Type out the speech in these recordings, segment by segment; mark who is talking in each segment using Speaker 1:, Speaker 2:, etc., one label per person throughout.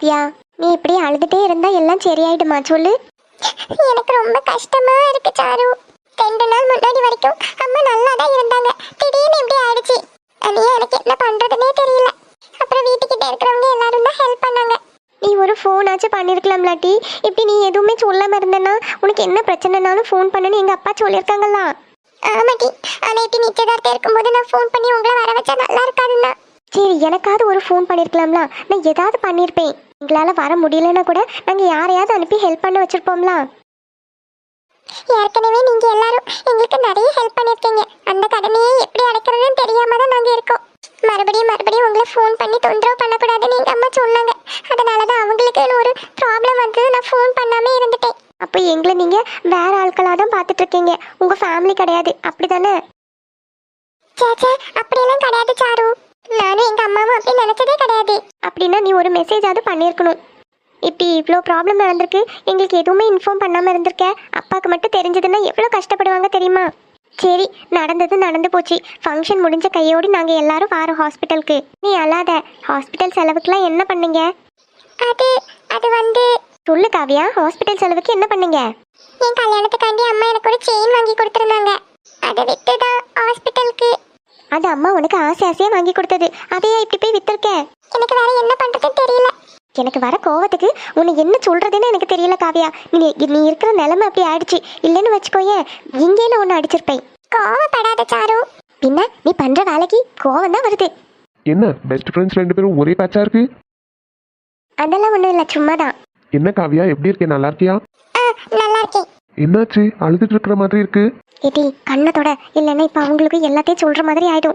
Speaker 1: காவியா, நீ இப்படி அழுதுட்டே இருந்தா எல்லாம் சரியாயிடுமா சொல்லு.
Speaker 2: எனக்கு ரொம்ப கஷ்டமா இருக்கு சாரு. 2 நாள் முன்னாடி வரைக்கும் அம்மா நல்லா தான் இருந்தாங்க. திடீர்னு இப்படி ஆயிடுச்சு. அது எனக்கு என்ன பண்றதுன்னே தெரியல. அப்புறம் வீட்டுக்கிட்ட இருக்கிறவங்க எல்லாரும் தான் ஹெல்ப் பண்ணாங்க.
Speaker 1: நீ ஒரு ஃபோனாச்சும் பண்ணிருக்கலாம்லாட்டி. இப்படி நீ எதுவுமே சொல்லாம இருந்தனா உனக்கு என்ன பிரச்சனைனாலும் ஃபோன் பண்ணுன்னு எங்க அப்பா சொல்லியிருக்காங்களா?
Speaker 2: ஆமாட்டி, ஆனா இப்படி நிச்சயதார்த்தம் இருக்கும்போது நான் ஃபோன் பண்ணி உங்களை வர வச்சா நல்லா இருக்காதுன்னா.
Speaker 1: சரி, எனக்காவது ஒரு ஃபோன் பண்ணிருக்கலாம்ல. நான் ஏதாவது பண்ணியிருப்பேன். எங்களால வர முடியலன்னா கூட நாங்க யாரையாவது அனுப்பி ஹெல்ப் பண்ண வச்சிருப்போம்ல.
Speaker 2: ஏற்கனவே நீங்க எல்லாரும் எங்களுக்கு நிறைய ஹெல்ப் பண்ணிருக்கீங்க. அந்த கடனையே எப்படி அடைக்கிறதுன்னு தெரியாம தான் நாங்க இருக்கோம். மறுபடியும் உங்களை ஃபோன் பண்ணி தொந்தரவு பண்ணக்கூடாதுன்னு எங்க அம்மா சொன்னாங்க. அதனாலதான் அவங்களுக்கு ஒரு ப்ராப்ளம் வந்தது. நான் ஃபோன் பண்ணாம இருந்துட்டேன்.
Speaker 1: அப்போ எங்களை நீங்க வேற ஆட்களாக தான் பார்த்துட்டு இருக்கீங்க. உங்க ஃபேமிலி கிடையாது, அப்படிதானே?
Speaker 2: சேச்சே, அப்படியெல்லாம் கிடையாது சாரு. நானும் எங்க அம்மாவும் அப்படி நினைச்சதே கிடையாது.
Speaker 1: அப்படின்னா நீ ஒரு மெசேஜாவது பண்ணியிருக்கணும். இப்படி இவ்வளோ ப்ராப்ளம் நடந்திருக்கு, எங்களுக்கு எதுவுமே இன்ஃபார்ம் பண்ணாமல் இருந்திருக்க. அப்பாவுக்கு மட்டும் தெரிஞ்சதுன்னா எவ்வளோ கஷ்டப்படுவாங்க தெரியுமா? சரி, நடந்தது நடந்து போச்சு. ஃபங்க்ஷன் முடிஞ்ச கையோடு நாங்கள் எல்லாரும் வாரோம் ஹாஸ்பிட்டலுக்கு. நீ அழாத. ஹாஸ்பிட்டல் செலவுக்குலாம் என்ன பண்ணீங்க?
Speaker 2: அது வந்து
Speaker 1: சொல்லு காவியா, ஹாஸ்பிட்டல் செலவுக்கு என்ன பண்ணீங்க?
Speaker 2: என் கல்யாணத்துக்காண்டி அம்மா எனக்கு ஒரு செயின் வாங்கி கொடுத்துருந்தாங்க. அதை வித்து தான் ஹாஸ்பிட்டலுக்கு.
Speaker 1: அது அம்மா உனக்கு ஆசையாக வாங்கி கொடுத்தது. அதையே இப்படி போய் வித்துருக்க?
Speaker 2: எனக்கு வேற என்ன பண்றதுன்னு தெரியல.
Speaker 1: எனக்கு வர கோவத்துக்கு உன்னை என்ன சொல்றதுன்னு எனக்கு தெரியல காவியா. நீ இருக்கிற நிலைமை அப்படி ஆயிடுச்சு. இல்லைன்னு வச்சுக்கோயேன், இங்கே நான் ஒன்று அடிச்சிருப்பேன்.
Speaker 2: கோவப்படாத சாரு.
Speaker 1: பின்ன நீ பண்ற வேலைக்கு கோவம் தான் வருது.
Speaker 3: என்ன பெஸ்ட் ஃப்ரெண்ட்ஸ் 2 பேரும் ஒரே பேட்சா இருக்கு?
Speaker 1: அதெல்லாம் ஒன்றும் இல்லை, சும்மாதான்.
Speaker 3: என்ன காவியா, எப்படி இருக்கே? நல்லா இருக்கியா?
Speaker 2: நல்லா இருக்கேன்.
Speaker 3: என்னாச்சு, அழுதுட்டு இருக்கிற மாதிரி இருக்கு?
Speaker 1: ஏடி கண்ணத்தோட, இல்லைன்னா இப்ப அவங்களுக்கு எல்லாத்தையும் சொல்ற மாதிரி ஆயிடும்.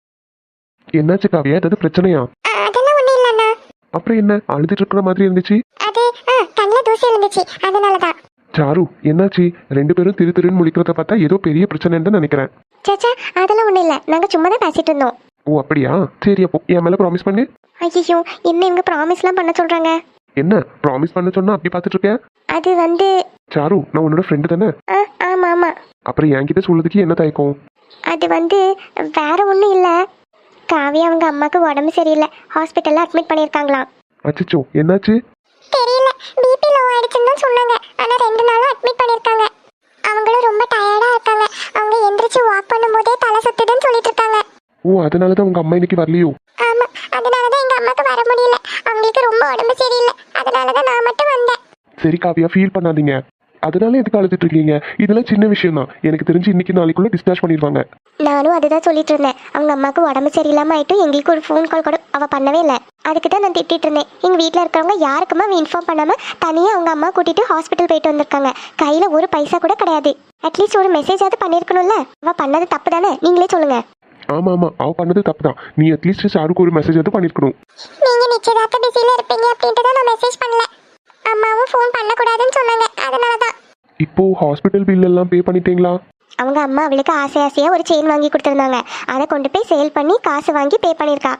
Speaker 3: என்னாச்சு காவியா, ஏதாவது பிரச்சனையா?
Speaker 2: அதெல்லாம் ஒண்ணும் இல்லண்ணா.
Speaker 3: அப்புறம் என்ன அழுதுட்டு இருக்கிற மாதிரி இருந்துச்சு?
Speaker 2: அது கண்ணில் தூசி இருந்துச்சு, அதனாலதான்.
Speaker 3: சாரு, என்னாச்சு? 2 பேரும் திருன்னு முழிக்கிறத பார்த்தா ஏதோ பெரிய பிரச்சனைன்னு நினைக்கிறேன்.
Speaker 1: சேச்சா, அதெல்லாம் ஒன்றும் இல்லை, நாங்க சும்மா தான் பேசிட்டு இருந்தோம்.
Speaker 3: ஓ அப்படியா? சரி, அப்போ என் மேல ப்ராமிஸ் பண்ணு.
Speaker 1: ஐயோ, என்ன இவங்க ப்ராமிஸ்லாம் பண்ண சொல்றாங்க?
Speaker 3: என்ன ப்ராமிஸ் பண்ண சொன்னா அப்படி பார்த்துட்டு இருக்க?
Speaker 1: அது வந்து
Speaker 3: சாரு, நான் உன்னோட ஃப்ரெண்டு தானே?
Speaker 1: ஆமா ஆமா.
Speaker 3: அப்புறம் என்கிட்ட சொல்றதுக்கு என்ன தயக்கம்?
Speaker 1: அது வந்து வேற ஒன்றும் இல்லை. காவியா அவங்க அம்மாவுக்கு உடம்பு சரியில்லை, ஹாஸ்பிட்டல்ல அட்மிட் பண்ணியிருக்காங்களாம்.
Speaker 3: அச்சச்சோ, என்னாச்சு?
Speaker 2: தெரியல, பிபி லோ ஆயிடுச்சுன்னு தான் சொன்னாங்க. ஆனா 2 நாளா அட்மிட் பண்ணிருக்காங்க. அவங்களும் ரொம்ப டயர்டா இருக்காங்க. அவங்க எந்திரிச்சு வாக் பண்ணும்போதே தலை சுத்துதுன்னு சொல்லிட்டு இருக்காங்க.
Speaker 3: ஓ, அதனாலதான் உங்க அம்மா இன்னைக்கு வரலையோ?
Speaker 2: ஆமா, அதனாலதான் எங்க அம்மாக்கு வர முடியல. அவங்களுக்கு ரொம்ப உடம்பு சரியில்லை, அதனாலதான் நான் மட்டும் வந்தேன்.
Speaker 3: சரி காவியா, ஃபீல் பண்ணாதீங்க. அதனால எதுக்கு அழுதுட்டு இருக்கீங்க? இதெல்லாம் சின்ன விஷயம் தான். எனக்கு தெரிஞ்சு இன்னைக்கு நாளைக்குள்ள டிஸ்சார்ஜ் பண்ணிடுவாங்க.
Speaker 1: நானும் அதுதான் சொல்லிட்டு இருந்தேன். அவங்க அம்மாவுக்கு உடம்பு சரியில்லாம ஆயிட்டு எங்களுக்கு ஒரு ஃபோன் கால் கூட அவ பண்ணவே இல்லை. அதுக்கு தான் நான் திட்டிட்டு இருந்தேன். எங்க வீட்டில் இருக்கிறவங்க யாருக்குமா இன்ஃபார்ம் பண்ணாம தனியாக அவங்க அம்மா கூட்டிட்டு ஹாஸ்பிட்டல் போயிட்டு வந்திருக்காங்க. கையில ஒரு பைசா கூட கிடையாது. அட்லீஸ்ட் ஒரு மெசேஜாவது பண்ணிருக்கணும்ல. அவ பண்ணது தப்பு தானே, நீங்களே சொல்லுங்க.
Speaker 3: ஆமா ஆமா, அவ பண்ணது தப்பு தான். நீ அட்லீஸ்ட் சாருக்கு ஒரு மெசேஜ் வந்து பண்ணிருக்கணும்.
Speaker 2: நீங்க நிச்சயதார்த்த பிஸியில இருப்பீங்க அப்படின்ட்டு தான் நான் மெசேஜ் பண்ணல. அம்மாவும் ஃபோன் பண்ணக்கூடாதுன்னு சொன்னாங்க, அதனாலதான்.
Speaker 3: இப்போ ஹாஸ்பிட்டல் பில் எல்லாம் பே பண்ணிட்டீங்களா?
Speaker 1: அவங்க அம்மா அவளுக்கு ஆசையா ஒரு செயின் வாங்கி கொடுத்துருந்தாங்க. அதை கொண்டு போய் சேல் பண்ணி காசு வாங்கி பே பண்ணியிருக்கா.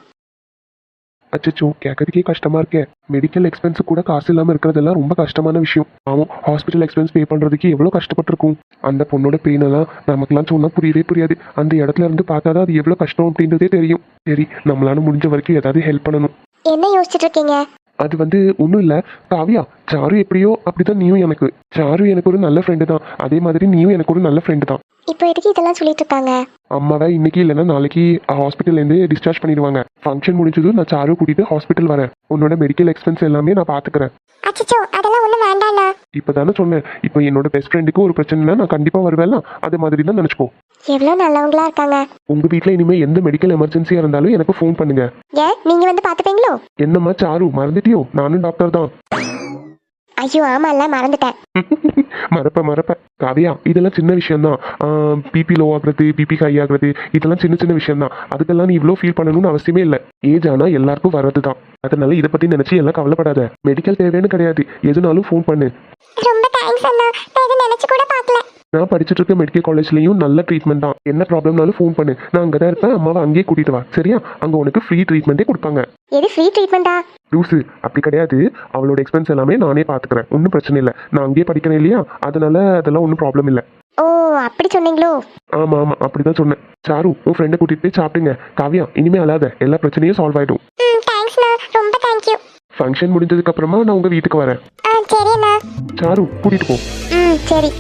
Speaker 3: அச்சச்சோ, கேட்கறதுக்கே கஷ்டமா இருக்கே. மெடிக்கல் எக்ஸ்பென்ஸ் கூட காசு இல்லாம இருக்கிறதெல்லாம் ரொம்ப கஷ்டமான விஷயம். ஆமாம், ஹாஸ்பிட்டல் எக்ஸ்பென்ஸ் பே பண்றதுக்கு எவ்வளவு கஷ்டப்பட்டிருக்கும். அந்த பொண்ணோட பெயின் எல்லாம் நமக்குலாம் சொன்னா புரியவே புரியாது. அந்த இடத்துல இருந்து பார்த்தாதான் அது எவ்வளவு கஷ்டம் அப்படின்றதே தெரியும். சரி, நம்மளால முடிஞ்ச வரைக்கும் ஏதாவது ஹெல்ப் பண்ணணும்.
Speaker 1: என்ன யோசிச்சுட்டு இருக்கீங்க?
Speaker 3: அது வந்து ஒன்றும் இல்லை காவியா. சாரு எப்படியோ அப்படிதான் நீயும் எனக்கு. சாரு எனக்கு ஒரு நல்ல ஃப்ரெண்டு தான், அதே மாதிரி நீயும் எனக்கு ஒரு நல்ல ஃப்ரெண்டு தான்.
Speaker 1: இப்போ எதுக்கு இதெல்லாம் சொல்லிட்டு இருக்காங்க?
Speaker 3: அம்மாவை இன்னைக்கு இல்லைன்னா நாளைக்கு ஹாஸ்பிட்டல்லேருந்து டிஸ்சார்ஜ் பண்ணிடுவாங்க. ஃபங்க்ஷன் முடிஞ்சதும் நான் சாரு கூட்டிட்டு ஹாஸ்பிட்டல் வரேன். உன்னோட மெடிக்கல் எக்ஸ்பென்ஸ் எல்லாமே நான் பார்த்துக்கிறேன்.
Speaker 2: அச்சச்சோ, அதெல்லாம் ஒண்ணும் வேண்டாண்ணா.
Speaker 3: இப்போதானே சொன்னேன். இப்போ என்னோட பெஸ்ட் ஃப்ரெண்டுக்கு ஒரு பிரச்சனைனா நான் கண்டிப்பாக வருவேன். அது மாதிரி தான் நினச்சிக்கோ.
Speaker 1: எவ்வளோ நல்லவங்களா இருக்காங்க.
Speaker 3: உங்க வீட்டில் இனிமேல் எந்த மெடிக்கல் எமர்ஜென்சியாக இருந்தாலும் எனக்கு ஃபோன் பண்ணுங்க.
Speaker 1: ஏன் நீங்க வந்து பார்த்துப்பீங்களோ?
Speaker 3: என்னம்மா சாரு, மறந்துட்டியோ? நானும் டாக்டர் தான்.
Speaker 1: ஐயோ ஆமாம்ல, மறந்துட்டேன்.
Speaker 3: மறப்ப காவியா, இதெல்லாம் சின்ன விஷயம் தான். பிபி லோ ஆகுறது, பிபி ஹை ஆகுறது, இதெல்லாம் சின்ன சின்ன விஷயம் தான். அதுக்கெல்லாம் நீ இவ்வளோ ஃபீல் பண்ணணும்னு அவசியமே இல்லை. ஏஜ் ஆனால் எல்லாருக்கும் வர்றது தான். அதனால இதை பற்றி நினச்சி எல்லாம் கவலைப்படாத. மெடிக்கல் தேவைன்னு கிடையாது, எதுனாலும் ஃபோன் பண்ணு.
Speaker 2: ரொம்ப தேங்க்ஸ் அண்ணா, நான் இதை நினைச்சு கூட பார்க்கல.
Speaker 3: நான் படிச்சுட்டு இருக்க மெடிக்கல் காலேஜ்லயும் நல்ல ட்ரீட்மெண்ட் தான். என்ன ப்ராப்ளம்னாலும் ஃபோன் பண்ணு, நான் அங்கே தான் இருப்பேன். அம்மாவை அங்கேயே கூட்டிட்டு வா, சரியா? அங்கே உனக்கு ஃப்ரீ ட்ரீட்மெண்ட்டே கொடுப்பாங்க.
Speaker 1: எது ஃப்ரீ ட்ரீட்மெண்ட்டா?
Speaker 3: லூசு, அப்படி கிடையாது. அவளோட எக்ஸ்பென்ஸ் எல்லாமே நானே பார்த்துக்கிறேன், ஒன்றும் பிரச்சனை இல்லை. நான் அங்கேயே படிக்கிறேன் இல்லையா, அதனால அதெல்லாம் ஒன்றும் ப்ராப்ளம் இல்லை.
Speaker 1: ஓ அப்படி சொன்னீங்களோ?
Speaker 3: ஆமா ஆமா, அப்படிதான் சொன்னேன். சாரு, உன் ஃப்ரெண்டை கூட்டிட்டு போய் சாப்பிடுங்க. காவியா, இனிமே அழாத, எல்லா பிரச்சனையும் சால்வ் ஆயிடும்.
Speaker 2: தேங்க்ஸ்ண்ணா, ரொம்ப தேங்க்யூ.
Speaker 3: ஃபங்க்ஷன் முடிஞ்சதுக்கு அப்புறமா நான் உங்க வீட்டுக்கு வரேன்.
Speaker 2: ஆ சரி அண்ணா.
Speaker 3: சாரு கூட்டிட்டு போ.
Speaker 2: ம் சரி.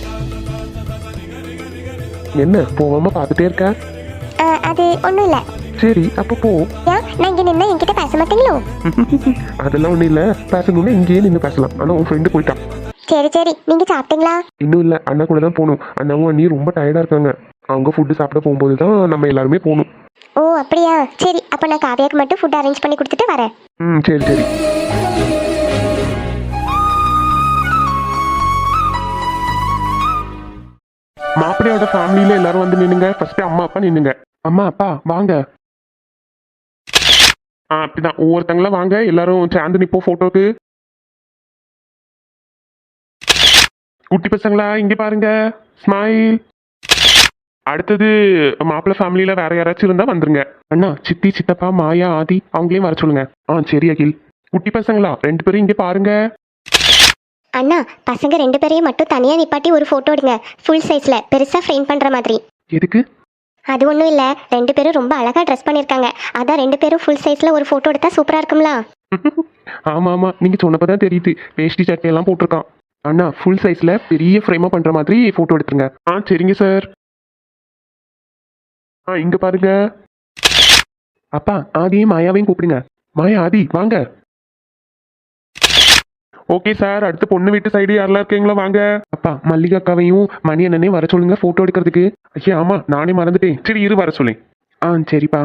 Speaker 3: என்ன போகாம பார்த்துட்டே இருக்க?
Speaker 2: அது ஒன்றும் இல்லை.
Speaker 3: சரி அப்போ போ.
Speaker 2: ஏன் நான் இங்கே நின்னா என்கிட்ட பேச மாட்டீங்களோ?
Speaker 3: அதெல்லாம் ஒன்றும் இல்லை, பேசணும்னா இங்கேயே நின்று பேசலாம். ஆனால் உன் ஃப்ரெண்டு போயிட்டான்.
Speaker 2: சரி சரி, நீங்கள் சாப்பிட்டீங்களா?
Speaker 3: இன்னும் இல்லை, அண்ணா கூட தான் போகணும். அண்ணாவும் அண்ணி ரொம்ப டயர்டாக இருக்காங்க. அவங்க ஃபுட்டு சாப்பிட போகும்போது தான் நம்ம எல்லாருமே போகணும்.
Speaker 2: ஓ அப்படியா, சரி அப்போ நான் காவியாக்கு மட்டும் ஃபுட் அரேஞ்ச் பண்ணி கொடுத்துட்டு வரேன்.
Speaker 3: ம் சரி சரி. மாப்பிள்ளையோட ஃபேமிலியில எல்லாரும் வந்து நின்னுங்க. ஃபர்ஸ்ட் அம்மா அப்பா நின்னுங்க. அம்மா அப்பா வாங்க. அப்படிதான் ஒவ்வொருத்தங்களா வாங்க, எல்லாரும் சேர்ந்து நிப்போம் போட்டோக்கு. குட்டி பசங்களா இங்க பாருங்க, ஸ்மைல். அடுத்தது மாப்பிள்ளை ஃபேமிலியில வேற யாராச்சும் இருந்தா வந்துருங்க. அண்ணா சித்தி சித்தப்பா மாயா ஆதி அவங்களையும் வர சொல்லுங்க. சரி அகில். குட்டி பசங்களா 2 பேரும் இங்க பாருங்க.
Speaker 1: அண்ணா பசங்க 2 பேரையும் மட்டும் தனியாக நிப்பாட்டி ஒரு ஃபோட்டோ எடுங்க, ஃபுல் சைஸில் பெருசாக ஃப்ரேம் பண்ணுற மாதிரி.
Speaker 3: எதுக்கு?
Speaker 1: அது ஒன்றும் இல்லை, 2 பேரும் ரொம்ப அழகாக ட்ரெஸ் பண்ணியிருக்காங்க, அதான் 2 பேரும் ஃபுல் சைஸில் ஒரு ஃபோட்டோ எடுத்தால் சூப்பராக இருக்கும்ல.
Speaker 3: ஆமா ஆமா, நீங்க சொன்னப்பதான் தெரியுது. வேஷ்டி சட்டையெல்லாம் போட்டிருக்கான். அண்ணா ஃபுல் சைஸ்ல பெரிய ஃப்ரேமா பண்ற மாதிரி போட்டோ எடுத்துருங்க. சரிங்க சார். இங்க பாருங்க. அப்பா ஆதியும் மாயாவையும் கூப்பிடுங்க. மாயா ஆதி வாங்க. Okay sir. அடுத்து பொண்ணு வீட்டு சைடு யாரெல்லாம் இருக்கீங்களா வாங்க. அப்பா மல்லிகா அக்காவையும் மணி அண்ணனையும் வர சொல்லுங்க போட்டோ எடுக்கிறதுக்கு. ஐயா ஆமா நானே மறந்துட்டேன். சரி இரு வர சொல்லி. சரிப்பா.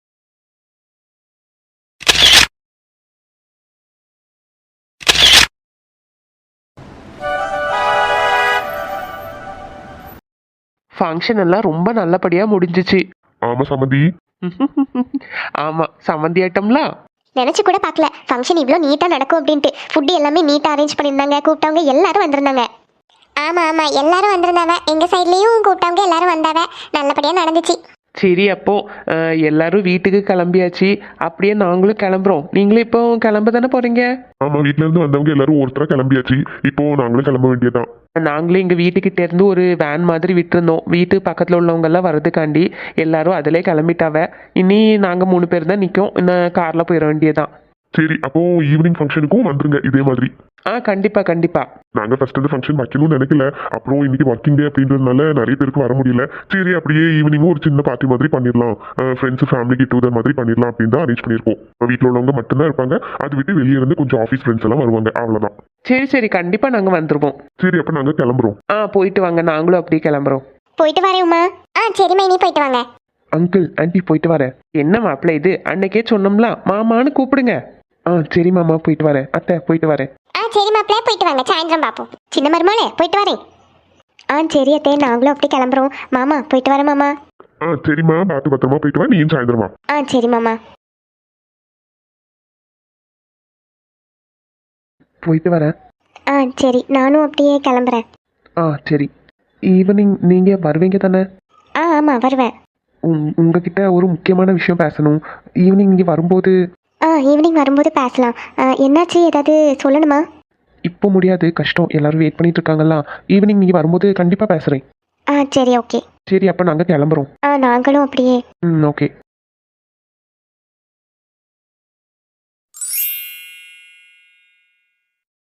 Speaker 3: ஃபங்க்ஷன் எல்லாம் ரொம்ப நல்லபடியா முடிஞ்சிச்சு.
Speaker 4: ஆமா சம்மந்தி.
Speaker 3: ஆமா சம்மந்தி ஐட்டம்ல
Speaker 1: நினச்சி கூட பார்க்கல ஃபங்க்ஷன் இவ்வளோ நீட்டாக நடக்கும் அப்படின்ட்டு. ஃபுட்டு எல்லாமே நீட்டாக அரேஞ்ச் பண்ணியிருந்தாங்க, கூப்பிட்டவங்க எல்லாரும் வந்திருந்தாங்க.
Speaker 2: ஆமாம் ஆமாம், எல்லாரும் வந்திருந்தாவ. எங்கள் சைட்லேயும் கூப்பிட்டவங்க எல்லாரும் வந்தாவ. நல்லபடியாக நடந்துச்சு.
Speaker 3: சரி அப்போ எல்லாரும் வீட்டுக்கு கிளம்பியாச்சு. அப்படியே நாங்களும் கிளம்புறோம். நீங்களும் இப்போ கிளம்ப தானே போறீங்க?
Speaker 4: ஆமா வீட்ல இருந்து வந்தவங்க எல்லாரும் ஒருத்தரா கிளம்பியாச்சு. இப்போ நாங்களும் கிளம்ப வேண்டியதான்.
Speaker 3: நாங்களும் எங்கள் வீட்டுக்கிட்ட இருந்து ஒரு வேன் மாதிரி விட்டுருந்தோம். வீட்டு பக்கத்தில் உள்ளவங்க எல்லாம் வர்றதுக்காண்டி எல்லாரும் அதிலே கிளம்பிட்டாவ. இனி நாங்கள் 3 பேர் தான் நிற்கும். இன்னும் காரில் போயிட வேண்டியதான்.
Speaker 4: சரி அப்போ ஈவினிங் ஃபங்க்ஷனுக்கும் வந்துருங்க இதே மாதிரி.
Speaker 3: கண்டிப்பா கண்டிப்பா.
Speaker 4: நாங்க ஃபர்ஸ்ட் இந்த ஃபங்க்ஷன் வைக்கணும்னு நினைக்கல. அப்புறம் இன்னைக்கு ஒர்க்கிங் டே அப்படின்றதுனால நிறைய பேருக்கு வர முடியல. சரி அப்படியே ஈவினிங்கும் ஒரு சின்ன பார்ட்டி மாதிரி பண்ணிடலாம், ஃப்ரெண்ட்ஸ் ஃபேமிலி கெட் டுகெதர் மாதிரி பண்ணிடலாம் அப்படின்னு தான் அரேஞ்ச் பண்ணியிருக்கோம். வீட்டில் உள்ளவங்க மட்டும்தான் இருப்பாங்க. அது விட்டு வெளியே இருந்து கொஞ்சம் ஆஃபீஸ் ஃப்ரெண்ட்ஸ் எல்லாம் வருவாங்க, அவ்வளோதான்.
Speaker 3: சரி சரி கண்டிப்பா நாங்கள் வந்துருவோம்.
Speaker 4: சரி அப்போ நாங்கள் கிளம்புறோம்.
Speaker 3: போயிட்டு வாங்க, நாங்களும் அப்படியே கிளம்புறோம்.
Speaker 1: போயிட்டு வரேன் உமா.
Speaker 2: சரிம்மா, இனி போயிட்டு வாங்க.
Speaker 3: அங்கிள் ஆண்டி போயிட்டு வரேன். என்ன மாப்பிள்ளை இது, அன்னைக்கே சொன்னோம்ல மாமான்னு கூப்பிடுங்க. சரி மாமா போயிட்டு வரேன். அத்தை போயிட்டு வரேன்.
Speaker 2: சரி மாப்பிள்ளை போயிட்டு வாங்க, சாயந்தரம் பார்ப்போம்.
Speaker 1: சின்ன மருமகளே போயிட்டு வரேன். சரி அத்தே, நாங்களும் அப்படி கிளம்புறோம். மாமா போயிட்டு வரேன் மாமா.
Speaker 4: சரிம்மா பார்த்து பத்திரமா போயிட்டு வா. நீயும் சாயந்தரமா.
Speaker 1: சரி மாமா.
Speaker 3: போயிட்டு வரேன்.
Speaker 1: சரி நானும் அப்படியே கிளம்புறேன்.
Speaker 3: சரி. ஈவினிங் நீங்க வருவீங்க தானே?
Speaker 1: ஆமாம் வருவேன்.
Speaker 3: உங்ககிட்ட ஒரு முக்கியமான விஷயம் பேசணும். ஈவினிங் இங்கே வரும்போது.
Speaker 1: ஈவினிங் வரும்போது பேசலாம். என்னாச்சு, ஏதாவது சொல்லணுமா?
Speaker 3: இப்போ முடியாது, கஷ்டம். எல்லாரும் வெயிட் பண்ணிட்டு இருக்காங்களா. ஈவினிங் நீங்கள் வரும்போது கண்டிப்பாக பேசுகிறேன்.
Speaker 1: சரி ஓகே.
Speaker 3: சரி அப்போ நாங்கள் கிளம்புறோம்.
Speaker 1: நாங்களும் அப்படியே.
Speaker 3: ஓகே.